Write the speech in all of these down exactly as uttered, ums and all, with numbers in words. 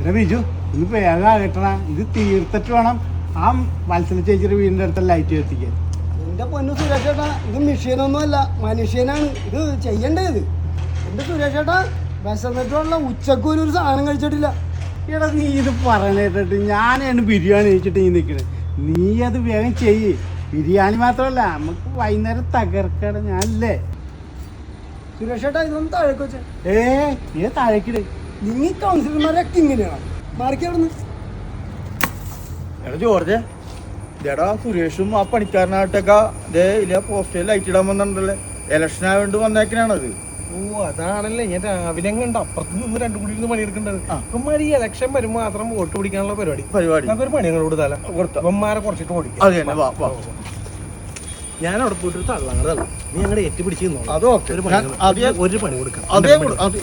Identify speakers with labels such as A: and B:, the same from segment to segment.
A: എടാ ബിജു ഇത് വേഗം കിട്ടണ ഇത് തീർത്തിട്ട് വേണം ആ മത്സര ചേച്ചിയുടെ വീടിൻ്റെ അടുത്ത ലൈറ്റ് കത്തിക്കാൻ.
B: എന്റെ പൊന്നു സുരേഷ് ചേട്ടാ, ഇത് മെഷീനൊന്നുമല്ല, മനുഷ്യനാണ് ഇത് ചെയ്യേണ്ടത്. എന്റെ സുരേഷ് ചേട്ടാ, വിശന്നിട്ടുള്ള ഉച്ചക്ക് ഒരു സാധനം കഴിച്ചിട്ടില്ല.
A: എടാ നീ ഇത് പറയണേട്ടിട്ട് ഞാനാണ് ബിരിയാണി കഴിച്ചിട്ട് നീ നിൽക്കണേ. നീ അത് വേഗം ചെയ്യ്. ബിരിയാണി മാത്രമല്ല നമുക്ക് വൈകുന്നേരം തകർക്കട ഞാനല്ലേ.
B: സുരേഷ് ചേട്ടാ, ഇതൊന്നും താഴേക്ക് വെച്ചേ.
A: ഏ നീ താഴേക്കിട്.
B: നീ കൗൺസിലർമാരൊക്കെ ഇങ്ങനെയാണ് മാറിക്ക് അവിടുന്ന്.
C: എടാ ജോർജ്, ഇതേടാ സുരേഷും ആ പണിക്കാരനായിട്ടൊക്കെ ഇതേ ഇല്ല പോസ്റ്ററിൽ ലൈറ്റ് ഇടാൻ വന്നിട്ടുണ്ടല്ലേ. ഇലക്ഷൻ ആയതുകൊണ്ട് വന്നേക്കനാണത്.
D: ഓ അതാണല്ലേ ഞാൻ രാവിലെ കണ്ട് അപ്പുറത്ത് നിന്ന് രണ്ടു കൂടി ഇരുന്ന് പണിയെടുക്കേണ്ടത്. ഇവന്മാർ ഈ ഇലക്ഷൻ വരുമ്പോൾ മാത്രം വോട്ട് പിടിക്കാനുള്ള പരിപാടി
C: പരിപാടി
D: നമുക്കൊരു പണി ഞങ്ങൾ കൊടുത്താല ഇവന്മാരെ കുറച്ചിട്ട് ഓടിക്കും.
C: അത് തന്നെ, വാ വാ.
D: ഞാൻ അവിടെ പോയിട്ട് തള്ളങ്ങൾ തള്ള നീ ഞങ്ങളുടെ ഏറ്റ് പിടിച്ച്
C: അത് ഓക്കെ.
D: ഒരു പണി കൊടുക്കാം.
C: അതേ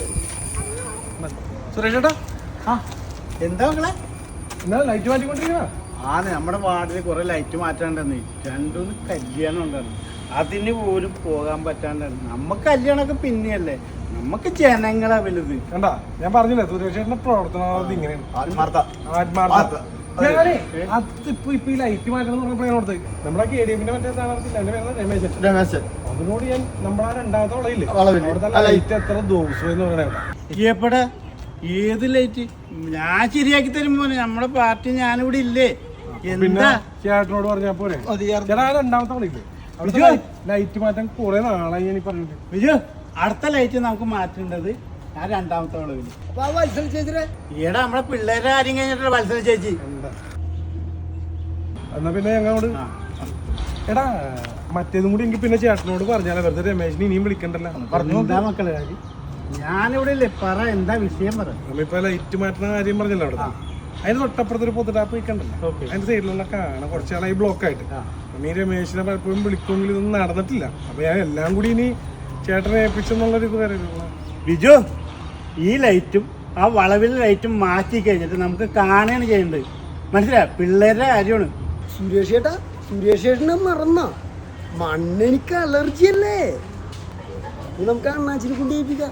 D: സുരേഷ് ചേട്ടാ,
A: ആ എന്താ മക്കളെ?
D: എന്നാ ലൈറ്റ് മാറ്റിക്കൊണ്ടിരിക്കണ.
A: ആ നമ്മുടെ വാർഡിൽ കുറെ ലൈറ്റ് മാറ്റാണ്ടെന്ന് രണ്ടൂന്ന് കല്യാണം ഉണ്ടായിരുന്നു. അതിന് പോലും പോകാൻ പറ്റാണ്ടായിരുന്നു. നമുക്ക് കല്യാണമൊക്കെ പിന്നെയല്ലേ, നമുക്ക് ജനങ്ങളാ വലുത്.
D: കണ്ടാ ഞാൻ പറഞ്ഞില്ലേ സുരേഷ് ചേട്ടന്റെ പ്രവർത്തനം ഇങ്ങനെയാണ്.
C: ആത്മാർത്ഥ
D: ആത്മാർത്ഥ. ഞാനേ അതിപ്പോ ഇപ്പൊ ഈ ലൈറ്റ് മാറ്റണം എന്ന് പറഞ്ഞപ്പോ ഞാനോടത്ത് നമ്മുടെ കെ ഡി എഫിന്റെ മറ്റേ സ്ഥാനാർത്ഥില്ല എന്റെ പേര് രമേശൻ
C: രമേശൻ
D: അതിനോട് ഞാൻ നമ്മളാ രണ്ടാമത്തെ വളയില്ലേ
C: വളവില്.
D: അവിടുത്തെ ലൈറ്റ് എത്ര ദിവസം എന്ന് പറയണ
A: എപ്പടെ ഏത് ലൈറ്റ് ഞാൻ ശരിയാക്കി തരുമ്പോ നമ്മുടെ പാർട്ടി ഞാനിവിടെ ഇല്ലേ.
D: പിന്നെ
A: എന്താ
D: ചേട്ടനോട് പറഞ്ഞാ പോരെ.
C: മതിയായിരുന്നു.
D: ചേട്ടാ രണ്ടാമത്തെ വളയില്ലേ
A: ബിജു,
D: ലൈറ്റ് മാറ്റാൻ കുറെ നാളായി ഞാൻ ഈ പറഞ്ഞിട്ട്.
A: ബിജു അടുത്ത ലൈറ്റ് നമുക്ക് മാറ്റേണ്ടത് ആ രണ്ടാമത്തെ വളവില്.
B: അപ്പൊ ആ മത്സര ചേച്ചിരെ
A: ഈടെ നമ്മുടെ പിള്ളേരെ ആരും കഴിഞ്ഞിട്ടുള്ള മത്സര ചേച്ചി.
D: എന്താ എന്നാ പിന്നെ ഞങ്ങളോട്
A: ആ.
D: എടാ മറ്റേതും കൂടി എനിക്ക് പിന്നെ ചേട്ടനോട് പറഞ്ഞാലേ വെറുതെ രമേശിനെ ഇനിയും വിളിക്കണ്ടല്ലോ.
A: പറഞ്ഞു എന്താ മക്കളെ കാര്യം? ഞാനിവിടെ ഇല്ലേ, പറ എന്താ വിഷയം പറ.
D: നമ്മളിപ്പോ ലൈറ്റ് മാറ്റുന്ന കാര്യം പറഞ്ഞല്ലോ അവിടെ. അതിന് തൊട്ടപ്പുറത്തൊരു പൊതുടാപ്പ് വെക്കണ്ടല്ലോ.
A: ഓക്കെ.
D: അതിന്റെ സൈഡിലുള്ള കാണാം കുറച്ച് നാളായി ബ്ലോക്ക് ആയിട്ട്. ഈ രമേശിനെ പലപ്പോഴും വിളിക്കുമെങ്കിൽ ഇതൊന്നും നടന്നിട്ടില്ല. അപ്പൊ ഞാൻ എല്ലാം കൂടി ഇനി ചേട്ടനെ ഏൽപ്പിച്ചെന്നുള്ളൊരു ഇത് വരെ.
A: ബിജു ഈ ലൈറ്റും ആ വളവിലെ ലൈറ്റും മാറ്റി കഴിഞ്ഞിട്ട് നമുക്ക് കാണുകയാണ് ചെയ്യേണ്ടത്. മനസ്സിലായോ? പിള്ളേരുടെ കാര്യമാണ്.
B: സുരേഷ് ചേട്ടാ, സുരേഷ് ചേട്ടനെ മറന്ന മണ്ണെനിക്ക് അലർജി അല്ലേ. ഇത് നമുക്ക് അണ്ണാച്ചിനെ കൊണ്ടേൽപ്പിക്കാം.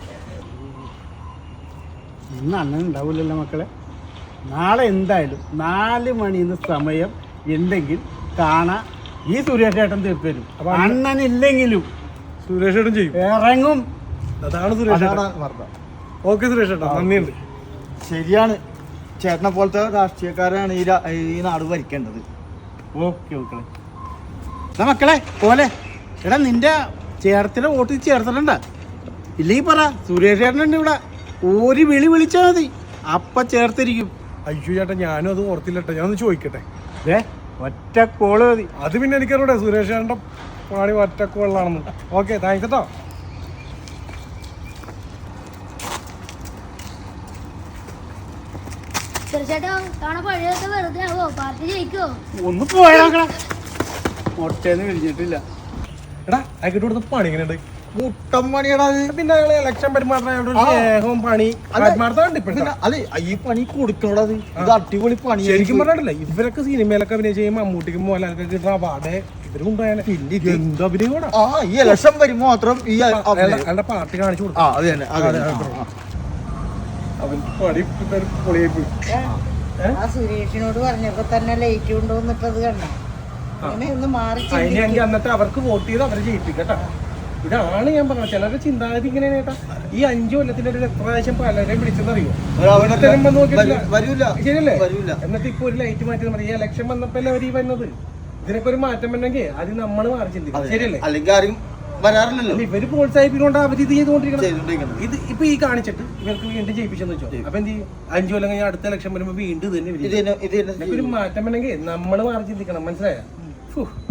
A: ഇന്ന് അണ്ണൻ ഉണ്ടാവില്ലല്ലോ മക്കളെ. നാളെ എന്തായാലും നാല് മണിന്ന് സമയം ഉണ്ടെങ്കിൽ കാണാൻ ഈ സുരേഷ് ചേട്ടൻ തീർത്തരും. അപ്പൊ അണ്ണനില്ലെങ്കിലും
D: സുരേഷ് ചേട്ടൻ ചെയ്യും,
A: ഇറങ്ങും.
D: അതാണ് സുരേഷ് ചേട്ടൻ. ഓക്കെ സുരേഷ് ചേട്ടാ, നന്ദിയുണ്ട്.
C: ശരിയാണ്, ചേട്ടനെ പോലത്തെ രാഷ്ട്രീയക്കാരാണ് ഈ രാ- ഈ നാട് ഭരിക്കേണ്ടത്.
A: ഓക്കെ മക്കളെ. എന്നാ മക്കളെ പോലെ എടാ നിന്റെ ചേർത്തിൻ്റെ വോട്ട് ചേർത്തിട്ടുണ്ട ഇല്ലെങ്കിൽ പറ. സുരേഷ് ചേട്ടനുണ്ട് ഇവിടെ, ഒരു വിളി വിളിച്ചാൽ മതി, അപ്പം ചേർത്തിരിക്കും.
D: അയ്യോ ചേട്ടാ, ഞാനും അത് ഓർത്തില്ലട്ടെ. ഞാൻ ഒന്ന് ചോദിക്കട്ടെ.
A: ഏ ഒറ്റ കോള് മതി.
D: അത് പിന്നെ എനിക്കറിയൂടെ സുരേഷ് ചേട്ടൻ്റെ പാടി ഒറ്റക്കുള്ളാണെന്ന്. ഓക്കെ താങ്ക്സ് കേട്ടോ.
E: ചേട്ടാ കാണാൻ പഴയതൊക്കെ വെറുതെ ആവോ? പാർട്ടി ജയിക്കോ?
A: ഒന്ന് പോയാ മുട്ടേന്ന് വിരിഞ്ഞിട്ടില്ല.
D: എടാ അയക്കിട്ട് കൊടുത്ത പണി ഇങ്ങനെയുണ്ട്.
C: മുട്ടം പണിയടാ അത്.
D: പിന്നെ ഞങ്ങള് ഇലക്ഷൻ പെരുമാറുന്ന സ്നേഹവും പണി ആത്മാർത്ഥമുണ്ട് ഇപ്പൊ.
C: പിന്നെ അതെ, ഈ പണി കൊടുക്കണോടാ അത്. ഇത് അടിപൊളി പണി.
D: ശരിക്കും പറഞ്ഞിട്ടില്ല, ഇവരൊക്കെ സിനിമയിലൊക്കെ അഭിനയിച്ച് ചെയ്യുമ്പോൾ മമ്മൂട്ടിക്കും മോഹൻലാലൊക്കെ കിട്ടുന്ന അവാർഡ് ഇവരും കൊണ്ടുപോയാൽ എന്ത് അഭിനയം കൂടാ.
C: ആ ഈ ഇലക്ഷൻ വരുമ്പോ മാത്രം ഈ
D: അയാളുടെ പാർട്ടി കാണിച്ചു കൊടുക്കും.
C: ആ അത് തന്നെ, അത് തന്നെ. ആ, ആ.
D: അവൻ പണി പൊളിയായി പോയി.
F: ആ സുരേഷിനോട് പറഞ്ഞപ്പോ തന്നെ ലൈറ്റ് കൊണ്ടുവന്നിട്ടത് കണ്ട അങ്ങനെ ഒന്ന് മാറി
D: അതിനെങ്കിൽ അന്നത്തെ അവർക്ക് വോട്ട് ചെയ്ത് അവരെ ജയിപ്പിക്കട്ടാ. ഇതാണ് ഞാൻ പറഞ്ഞത്. ചിലരുടെ ചിന്താഗതി ഇങ്ങനെയാണ് കേട്ടാ. ഈ അഞ്ചു കൊല്ലത്തിന്റെ ഒരു എത്ര പ്രാവശ്യം പലരെയും പിടിച്ചെന്നറിയോ?
C: വരൂല
D: ശരിയല്ലേ?
C: വരൂല.
D: എന്നിട്ട് ഇപ്പൊ ഒരു ലൈറ്റ് മാറ്റി മതി. ഈ ഇലക്ഷൻ വന്നപ്പോ അവർ ഈ വന്നത്. ഇതിനൊക്കെ ഒരു മാറ്റം വരണമെങ്കിൽ അത് നമ്മൾ മാറി ചിന്തിക്കണം. ശരിയല്ലേ?
C: അല്ലെങ്കിൽ ആരും വരാറില്ലല്ലോ.
D: ഇവര് പ്രോത്സാഹിപ്പിക്കൊണ്ട് അവർ ഇത് ചെയ്തുകൊണ്ടിരിക്കണം.
C: ചെയ്തോണ്ടിരിക്കണം.
D: ഇത് ഇപ്പൊ ഈ കാണിച്ചിട്ട് ഇവർക്ക് വീണ്ടും ജയിപ്പിച്ചെന്ന് വെച്ചോ. അപ്പൊ എന്ത് ചെയ്യും? അഞ്ചു കൊല്ലം കഴിഞ്ഞാൽ അടുത്ത ഇലക്ഷൻ വരുമ്പോ വീണ്ടും ഇത് തന്നെ.
C: ഇത് തന്നെ, ഇത് തന്നെ.
D: ഒരു മാറ്റം വരണമെങ്കിൽ നമ്മൾ മാറി ചിന്തിക്കണം. മനസ്സിലായോ?